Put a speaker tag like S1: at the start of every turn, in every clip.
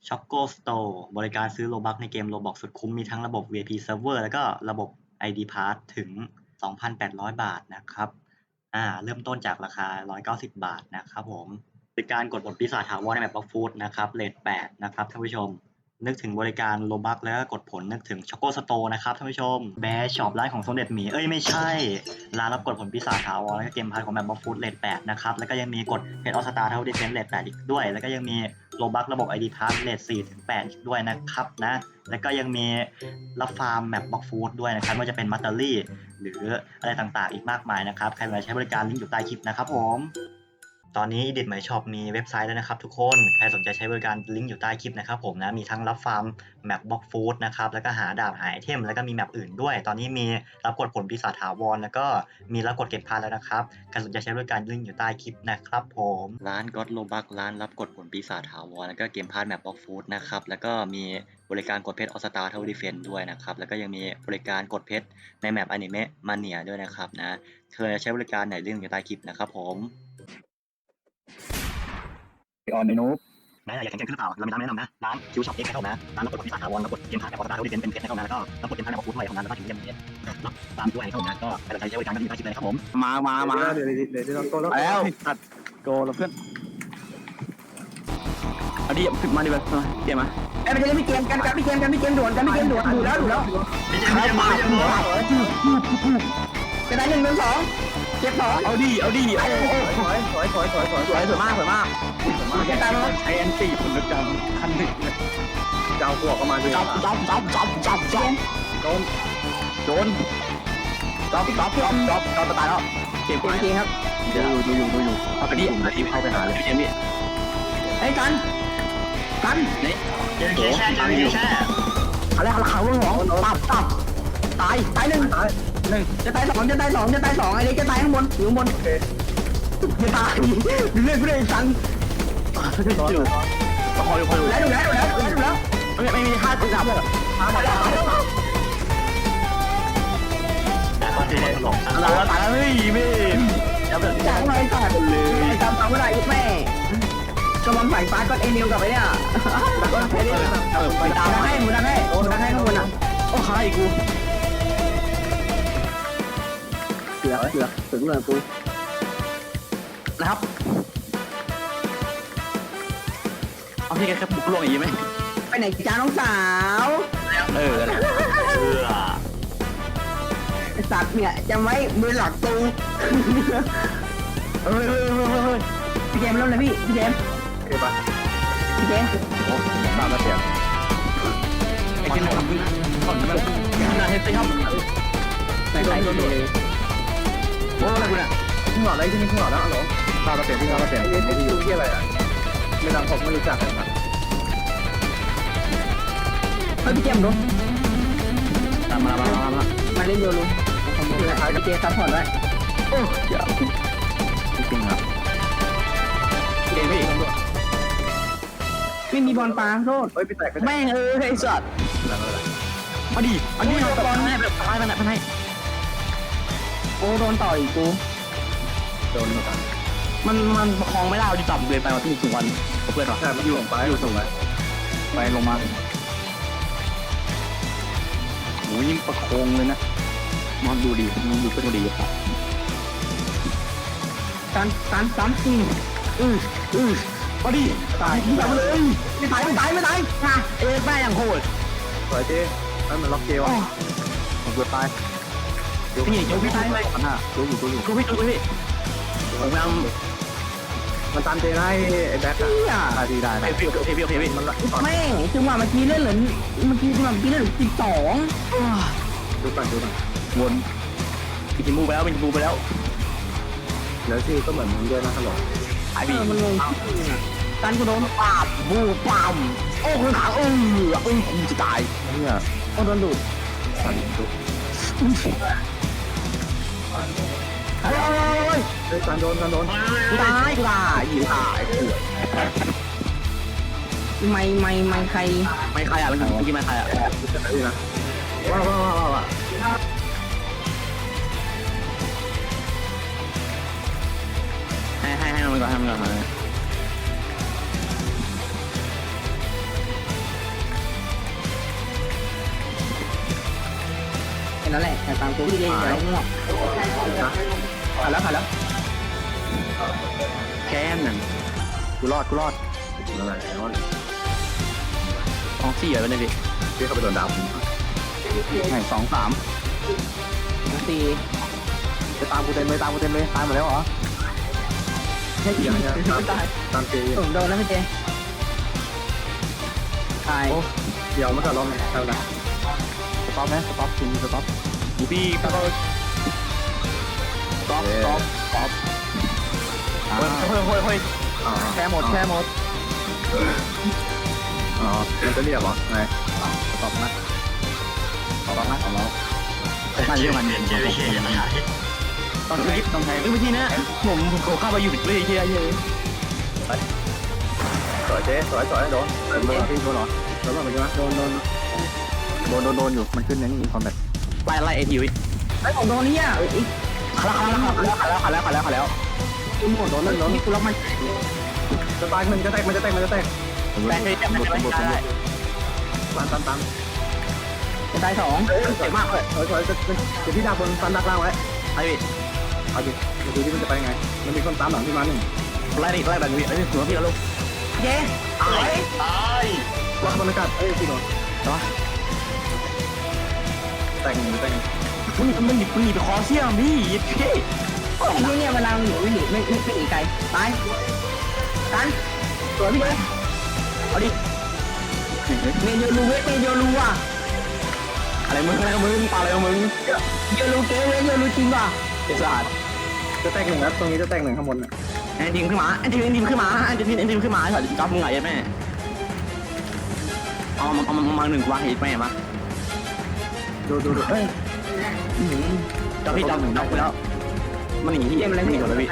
S1: Choco Store บริการซื้อโลบัคในเกม Roblox สุดคุ้มมีทั้งระบบ VIP Server แล้วก็ระบบ ID Pass ถึง 2,800 บาทนะครับเริ่มต้นจากราคา 190 บาทนะครับผมบริการกดผลปีศาจถาวรในแมป Blox Fruit นะครับเรท 8 นะครับท่านผู้ชมนึกถึงบริการโลบัคแล้วก็กดผลนึกถึง Choco Store นะครับท่านผู้ชมแบร์ช็อปร้านของสมเด็จหมีไม่ใช่ร้านรับกดผลปีศาจถาวรแล้วก็เกมพาร์ทของแมป Blox Fruit เรท 8 นะครับแล้วก็ยังมีกดเพจออสตาร์เท่าดิเฟนเรท 8 อีกด้วยแล้วก็ยังมีโลบัคระบบ ID Pass เรท 4 ถึง 8 อีกด้วยนะครับนะแล้วก็ยังมีรับฟาร์มแมป Blox Fruit ด้วยนะครับไม่ว่าจะเป็นมัตเตอรี่หรืออะไรต่างๆอีกมากมายนะครับใครสนใจใช้บริการลิงก์อยู่ใต้คลิปนะครับผมตอนนี้ Edit My Shop มีเว็บไซต์แล้วนะครับทุกคนใครสนใจใช้บริการลิงก์อยู่ใต้คลิปนะครับผมนะมีทั้งรับฟาร์มแมป Blox Fruit นะครับแล้วก็หาดาบหาไอเทมแล้วก็มีแมปอื่นด้วยตอนนี้มีรับกดผลปีศาจถาวรแล้วก็มีรับกดเก็บพาร์ทแล้วนะครับใครสนใจใช้บริการลิงก์อยู่ใต้คลิปนะครับผมร้าน God Robux ร้านรับกดผลปีศาจถาวรแล้วก็เกมพาร์ทแมป Blox Fruit นะครับแล้วก็มีบริการกดเพชรออสตาร์เท่าดิเฟนด้วยนะครับแล้วก็ยังมีบริการกดเพชรในแมปอนิเมะมาเนียด้วยนะครับนะเคยใช้บริการไหนลิงก์อยู่ใต้คลิปนะครับผม
S2: ออนไอ้นุ๊ก
S1: อยากแข่งขันหรือเปล่าเรามีร้านแนะนำนะร้านคิวช็อปเอ็กซ์ให้เข้านะร้านรับกดผลปีศาจถาวรรับกดเกมพาร์ทแมปออสตาร์เท่าดิเฟนเป็นเพชรให้เข้านะแล้วก็รับกดเกมพาร์ทแมป Blox Fruitด้วยของนั้นแล้วก็ถึงเกมรับตามด้วยให้เข้านะก็ใครสนใจใช้บริการก็อยู่ใต้คลิปเลยครับผม
S2: มา
S3: เดี๋ยวเราโกแล้ว
S2: ตัดโกแล้วเพื่อนเอาดิมาดิแบบเกมมา
S3: มันจะเล่นเกมกันพี่เกมด่วนดูแล้ว
S1: ไม่ใช่
S3: กระดาน1 1 2เก็บ2
S2: เอาดิ
S3: สวยมากแกตามแล้ว
S2: ใช้แอนตี้ผลกรรมขั้นหนึ่ง
S3: เจ้าพวกก็มาด้วย
S2: จับโดนจับตายแล้วเก็บ
S3: จริงครับ
S2: ดูอยู่เอาไปดิเข้าไปหาเลยเกมนี้
S3: ไอ้กัน
S1: นี่เจอแช่
S3: อะไรเขาหรอตับตาย1จะตาย2ไอ้เล็กจะตายข้างบนอยู่ข้างบนจะตายเรื่อยสั่ง
S2: อยู่คอย
S3: แล้ว
S2: ไม่มีค่าจับเลย
S1: แต่ก็จะได้หลงสัก
S2: ตายแล้วไม่
S3: จับเลยจำไม่ได้แม่กำลังใส่ฟ้าก็เอนิวกับไอ้เนี่ยก็แค่นี้ดังให้ข้างบนอ่ะ
S2: โอ้ใครกู
S3: เสือถึงเลยกู
S2: นะครับเอาที่แกแค่บุกลงอย่างนี้ไหม
S3: ไปไหนจ้าน้องสาวสัตว์เนี่ยจะไม่มือหลักตูพี่เจมส์เริ่มเลยพี่เจมส์
S2: ตามมาเสียไอ้ที่หนึ่งก่อนมันน่าเห็นสิครับ
S3: ใส่เลย
S2: โอ้อะไรกูเนี่ย
S3: ขึ้นหลอดอะไรขึ้นหลอดแล้วเหรอ
S2: ตามมาเสียที่
S3: อยู่ที่อะไรอ่ะไม่ดังผมไม่รู้จักนะครับพี่เจมส์ดู
S2: ตาม
S3: มาเล่นโยลูพี่เจซัพพอร์ตไว้
S2: โอ้ยาจริงครับเกมพี่
S3: ไม่มีบอลปลาโทษ
S2: แม่งไอ้สัตว์มาดิอันนี้เราบอลแม่แบบตายมันให้
S3: โอ้โดนต่อยกู
S2: โดนมันประคองไม่ได้ดิจับเลยไปมาที่ถึงวันเพื่อนหรอ
S3: ใช่มันอยู่ส่ง
S2: ไปลงมาโอ้ยประคองเลยนะมองดูดีมันดูเป็นดีครับ
S3: ตัน
S2: มาดิ
S3: ตายเลยไม่ตาย
S2: แม่ยังโหด
S3: สวยเจ๊มันล็อกเกว
S2: ผมเกือบตายพี่โยพี่ตายไหมดูอยู่พี่ผมยัง
S3: มันตามเจได้ไอ้แบ็ค
S2: ได้พี่
S3: มันแม่งจังหวะเมื่อกี้เล่นเหรอเมื่อกี้เล่น12ดูก่อน
S2: วนกินมูไปแล้ว
S3: แล้วที่ก็เหมือนมึงด้วยนะฮัลโหล
S2: ไอ้พี่
S3: มันงงกันกูโดน
S2: ปาบบูปามโอ้คนขาวกูจะตาย
S3: เนี่ยโดนดูด
S2: สั่นดู
S3: การโดน
S2: กูตายอยู่ตาย
S3: ไม่ใคร
S2: อ่ะมันกินไม่ใครอ่ะ
S3: นะว้า
S2: ให้มันก่อน
S3: นั่นแหละแต่ตามตัวพี่เองอย่าง่วงผ่านแล้ว
S2: แค่นั่นกูรอดอะไรรอดท้อง4เลยเนี่ยพี่เข้าไปโดนดาวไหน2 3
S3: 4
S2: จะตามกูเต็มเลยตายหมดแล้วเหรอ
S3: ใช่จริงตาย
S2: ตามเจ
S3: ผมโดนแล้วพี่เจตาย
S2: เดี๋ยวมันจะลองทำไงสต็อปไหมสต็อปทีสต็อปพี่ก็สต็อปเฮ้ยแค่หมดอ๋อมันจะเรียบเหรอไงสต็อปนะน่าเยอะมัน
S1: เจอเขียนอะไร
S2: ต้องใช้วิธีนี้ผมขอเข้าไปอยู่วิธีเยอะสวยเจ๊สวยโดนพี่โดนเหรอโดนไปใช่ไหมโดนอยู่มันขึ้นในนี่คอมแบทไล่เอทีวิ
S3: ไอ้ผมโดนนี่อ่ะอีกขาแล้วคุณหมดโดนนี่กูล็อกมัน
S2: จะตายมันจะแตกแต่ให้จับได้ตาม
S3: จะตาย2
S2: เจ็บมากเลยสวยจะพี่ดาบนฟันดักล่างไว้ไอ้พี่เอาดิดูที่มันจะไปไงมันมีคนตามหลังพี่มาหนึ่งไล่แบบนี้ไอ้พี่หัวพี่แล้วลูก
S3: เย้ตาย
S2: ล็อกบรรยากาศเอ้ยพี่โดนแต่งมันหนีไปคอเสี่ยงพี่พี่
S3: เนี่ยเวลาหนีไม่หนีไกลตายกันสวยพี่เจเอาดิเมโยรูอ่ะ
S2: อะไรมึงปาอะไรมึง
S3: โยรูเกเวโยรูจริงป่ะ
S2: ไอ้สัตว์จะแตก1นะตรงนี้จะแตก1ข้างบนน่ะไอ้ทีมขึ้นมาถอดจับมึงไงแม่เอามา1กว่าเห็นแม่มาดูเอ้ยจับพี่จับไปแล้วมันหนีพี่มันหนีก่อนเลยพี่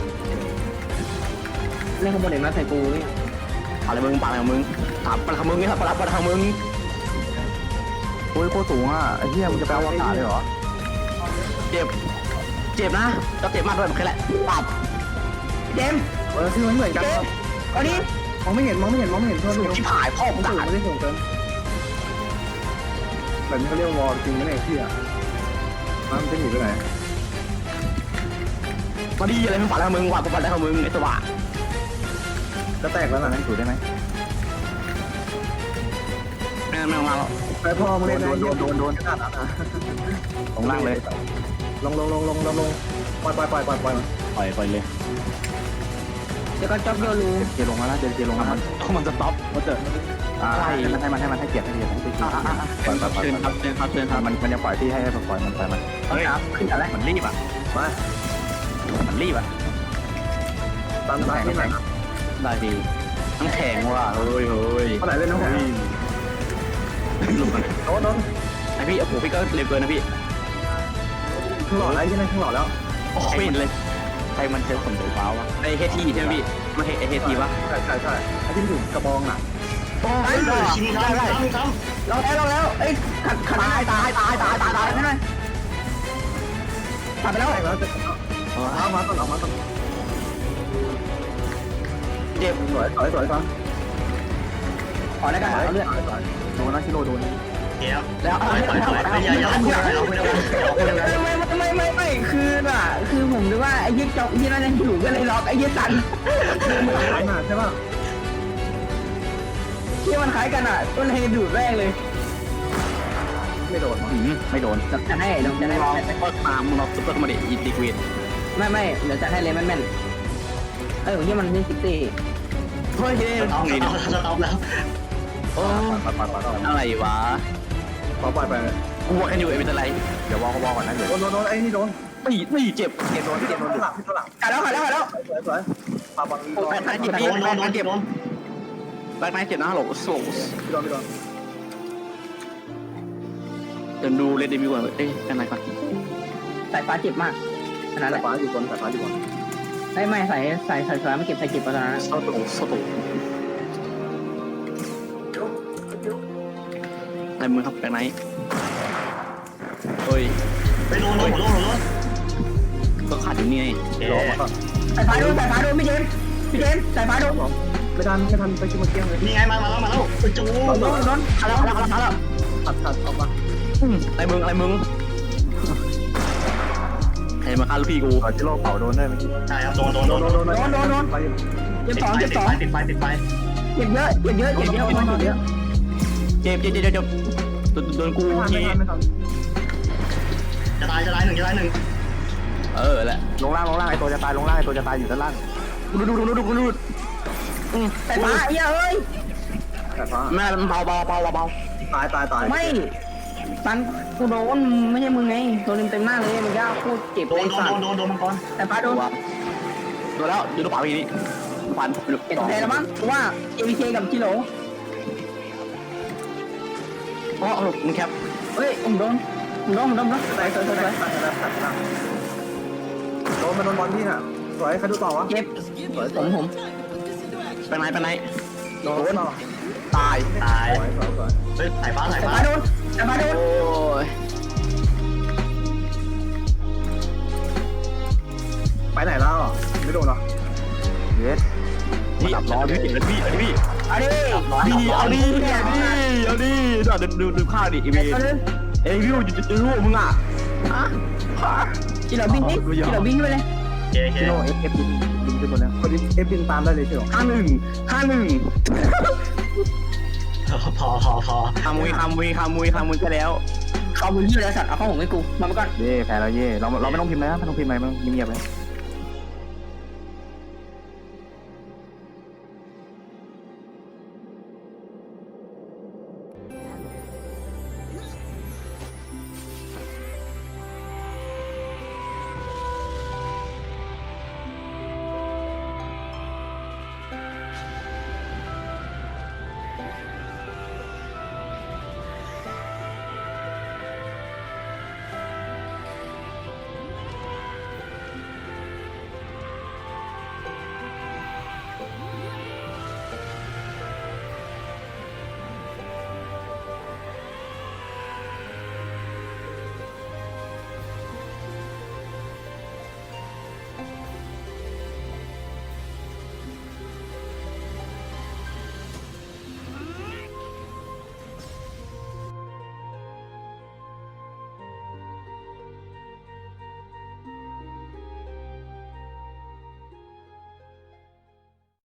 S3: เล่นขบวนเด็กมาใส่กูนี่
S2: อะไรมึงปาอะไรมึงถามปาทางมึงนี่ครับปาทางมึงโอ้ยโคตรสูงอ่ะไอ้เหี้ยมึงจะไปเอาอากาศเลยเหรอเจ็บนะจะเจ็บมากด้วยแค่แหละปับ
S3: เจม
S2: ที่มันเหมือนกัน
S3: เอาดิ
S2: มองไม่เห็นเท่าที่ถ่ายพ่อมึงถ่ายไม่ได้ส่งเกินแบบนี้เขาเรียกวอลจริงไหมเนี่ยพี่อ่ะมันจะหนีไปไหนมาดีอะไรมึงปาแล้วมึงว่ากูปาได้ของมึงไอ้สว่างจะแตกแล้วนะนั่นถูได้ไหมไม่ออกมาหรอกไอ้พ่อมึงเล่นโดนขนาดนั้นนะลงล่างเลยลงปล่อยเลย
S3: เดี๋ยวก็จ็อบโยรู
S2: เจลงแล้วนะเจลงแล้วมันจะต็อปมันจะให้เกียรติเชิญครับมันจะปล่อยที่ให้ปล่อยมันไปมันเฮ้ยขึ้นอะไรมันรีบอ่ะตามที่ไหนได้ดีน้ำแข็งว่ะเฮ้ยเท่าไหร่เล่นน้ำแข็งหลุดกันโดนไอพี่โอ้โหพี่ก็เร็วเกินนะพี่ข้างหล่อแล้วใช่ไหมข้างหล่อแล้วโอ้ยเลยใครมันเซลผมเดือดร้าวอ่ะไอเฮทีใช่ไหมพี่มาไอเฮทีวะใช่ไอที่ถูกกระบองอ่ะ
S3: ได้แล้วเอ้ยขัดตายไม่ได้ขัดไปแล้ว
S2: เอามาต้นเจ็บสวยฟัง
S3: ขอได้กันเอาเลือด
S2: โดนนะชิโร่โดน
S3: แล้วไม่คือผมนึกว่าไอ้ยึดจ็อบที่นั่นยังอยู่ก็เลยล็อกไอ้ยึดสัน
S2: ใช่ป่ะ
S3: ที่มันคล้ายกันอ่ะต้นให้ดูดแรกเลย
S2: ไม่โดน
S3: จะให้ลองจะให้
S2: ก็ตามมึงเราซุปเปอร์คอมเมดี้อีดิกวิน
S3: ไม่เดี๋ยวจะให้เลยแม่นที่มันนี่60
S2: เฮ้ย
S1: เอาแล้ว
S2: อะไรวะปล่อยไปกูว่ากันอยู่เป็นอะไรเดี๋ยววอก่อนนะเดี๋ยวโดนไอ้นี่โดนตีเจ็บโดนหลัง
S3: กัดแล้ว
S2: สวยปาบัง
S3: แปดเจ็บ
S2: แบกไนเจ็บนะฮัลโหลโซ่โดนเดินดูเลดเดมิวก่อนเอ้ยอะไรก่อน
S3: สายฟ้าเจ็บมากขนาดไหน
S2: สายฟ้าอยู่บน
S3: ไม่ใส่ฟ้าไม่เก็บใส่เก็บตอนนั้น
S2: โซ่ตุในมือครับแบกไนเฮ้ย
S1: ไปโดน
S2: ก็ขาดอยู่นี่ไงรอมาก่อน
S3: สายฟ้าโดนพี่เจมสายฟ้าโดน
S2: ไม่ทันไปชิมเกี้ยงเลย
S1: นี่ไงมาแล้วจู
S3: โดนแล้ว
S2: ขัดออกมาอะไรมึงรมาฆ่าลูกพี่กู
S4: จิโร่เป่าโดนได้ไหม
S1: ใช่ครับโดน
S3: เจ็บสอง
S1: ติ
S3: เจ็
S1: ด
S3: บ
S1: ไฟ
S3: สอง
S1: ติดไฟ
S3: เจ็บเยอะเจ็บเยอะเจ็บเยอะมันเจ็บเยอะ
S2: เจ็บโดนกู
S4: ไม่
S2: ที
S4: ทัน
S1: จะตายหนึ่ง
S2: แหละ
S4: ลงล่างไอตัวจะตายลงล่างไอตัวจะตายอยู่ด้านล่าง
S2: ดู
S3: แต่ฟ้าไอ้เอ้ย
S4: แต่ฟ้า
S2: แม่เบา
S4: ตาย
S3: ไม่ตันกูโดนไม่ใช่มึงไงโดนเต็มหน้าเลยมันยากพูดเจ็บ
S1: โดนมังกร
S3: แต่ฟ้าโดน
S2: โดนแล้วดูลูกเป๋าอีกนี่ฟัน
S3: เจ็บแผลแล้วมั้งว่า ABK กับจิโร่
S2: อ๋อมึงแคป
S3: เฮ้ยผมโดนสวย
S4: โดนมาโดนบอลพี่น่ะสวยใครดูต่อวะ
S3: เจ็บผม
S2: ไปไหน
S4: โดนต่อ
S2: ตาย
S1: ตาย
S4: สวย
S1: เฮ้ยสายฟ้า
S3: แต่ฟ้าโดน
S2: โอ้ย
S4: ไปไหนแล้วไม่โดนหรอเย็ด
S2: นี่ดับร้อนพี่พี่
S3: เอาดิ
S2: เอาดิดูข้าวดิอีเมย์เอ้ยวิวจะรู้มึงอ่ะ
S3: จิโร่บินนี่จิโร่บินไปเลย
S1: เค
S4: จิโร่เอฟบินขึ้นหมดแล้วคนเอฟบินตามได้เลยใช่หรอ
S2: 51
S1: พอ
S2: ขโมยก็แล้ว
S3: เขาบุญยี่แล้วสัตว์เอาข้าวหงให้กูมาไปก่อน
S4: เย่แพ้แล้วเย่เราไม่ต้องพิมพ์นะไม่ต้องพิมพ์อะไรมันเงียบๆเลย